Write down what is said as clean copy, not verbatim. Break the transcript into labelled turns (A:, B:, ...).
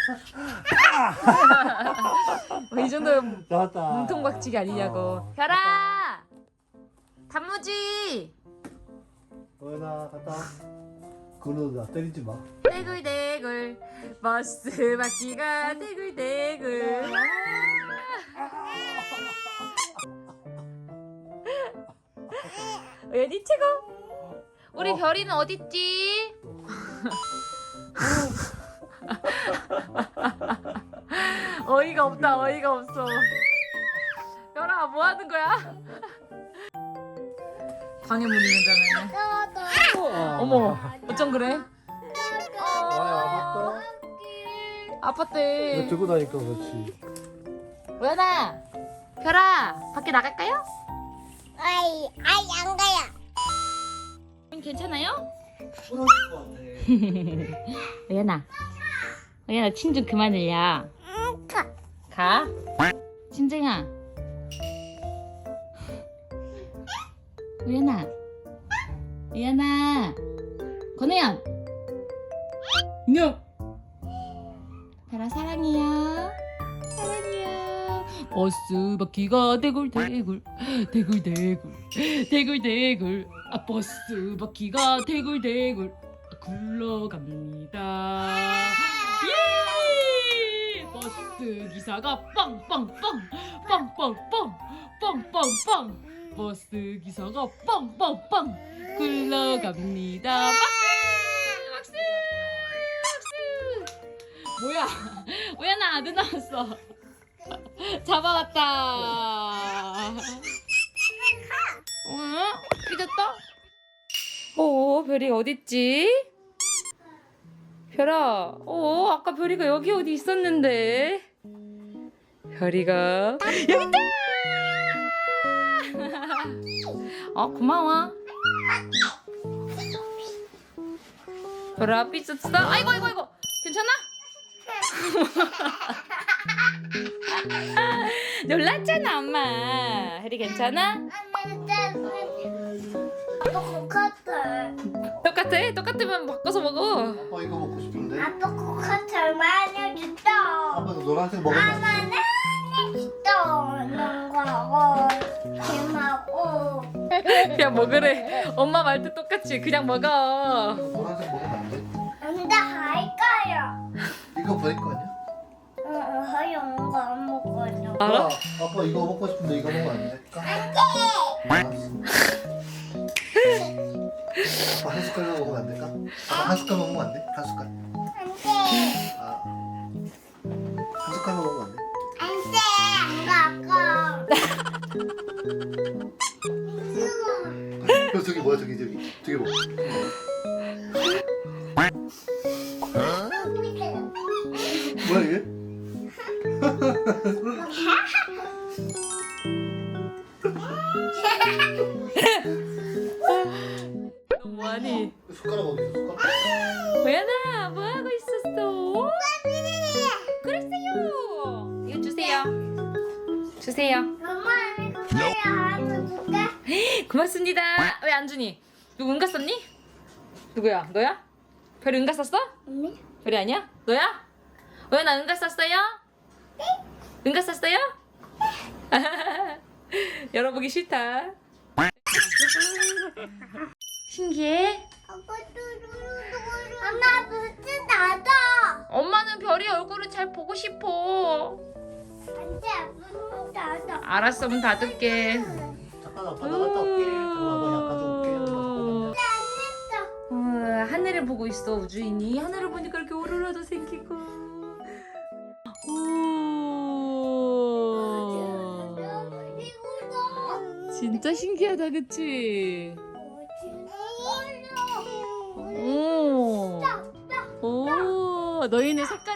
A: 이 정도면
B: 나왔다.
A: 문통박치기 아니냐고. 별아! 단무지!
B: 어나 갔다. 그러다 때리지 마.
A: 대굴대굴 버스 바퀴가 대굴대굴. 연이 최고. 우리 별이는 어딨지? 어이가 없다. 어이가 없어. 별아 뭐 하는 거야? 방해 문이 연장하네. 어머 어쩜 그래?
B: 아팠다.
A: 아팠대.
B: 이거 들고 다니까 그렇지.
A: 우연아, 별아, 밖에 나갈까요?
C: 아이 안 가요.
A: 괜찮아요? 우연아, 우연아 침 좀 그만 흘려. 가. 심쟁아. 우연아, 우연아, 건우양. 인형. 별아 사랑해요. 사랑해요. 버스 바퀴가 대굴대굴 대굴대굴 대굴대굴 아 버스 바퀴가 대굴대굴 굴러갑니다. 예! 버스 기사가 빵빵빵 빵빵빵 빵빵빵 버스 기사가 빵빵빵 굴러갑니다. 박수 박수 박수. 뭐야? 우연아 눈 나왔어. 잡아왔다. 응? 삐졌다? 별이 어딨지? 별아, 아까 별이가 여기 어디 있었는데? 별이가 여기 있다! 고마워. 별아, 삐졌어? 아이고, 괜찮아? 놀랐잖아 엄마. 혜리 괜찮아?
C: 아빠 코카털.
A: 똑같으면 바꿔서 먹어.
B: 아빠 이거 먹고 싶은데.
C: 아빠 코카털 많이 줬다.
B: 아빠도 노란색 먹으면 안 돼.
C: 아빠는 줬다. 농구하고 게임하고.
A: 그냥 먹으래. 엄마 말도 똑같이 그냥 먹어.
B: 노란색 먹으면 안 돼.
C: 근데 할까요?
B: 이거 버릴 거 아니야?
C: 하영 거안 먹어요.
A: 알아?
B: 아빠 이거 먹고 싶은데 이거 먹으면 안 될까?
C: 안 돼.
B: 알았어. 아빠 한 숟갈만 먹으면 안 될까? 아빠 한 숟갈 먹으면 안 돼? 한 숟갈.
C: 안 돼.
B: 아. 한 숟갈만 먹으면 안 돼?
C: 안 돼. 안 가.
B: 저기 뭐야 저기 뭐. 뭐야 이게?
A: 뭐하니?
B: 숟가락 어디 있어? 숟가락?
A: 우연아 뭐하고 있었어? 그랬어요. 이거 주세요.
C: 엄마 이거 뭐야? 하나 줄게.
A: 고맙습니다. 왜 안 주니? 누구 응가 썼니? 누구야? 너야? 별이 응가 썼어?
C: 언니?
A: 별이 아니야? 너야? 우연아 응가 썼어요? 응가 썼어요? 열어보기 싫다. 신기해?
C: 엄마 무슨 나도.
A: 엄마는 별이 얼굴을 잘 보고 싶어.
C: 안돼 무슨 나도.
A: 알았어, 문 닫을게.
B: 잠깐 아빠 나갔다 올게. 아빠 약간 좀 올게.
A: 하늘을 보고 있어, 우주인이. 하늘을 보니까 이렇게 오로라도 생기고. 진짜 신기하다, 그치? 오, 너희네 색깔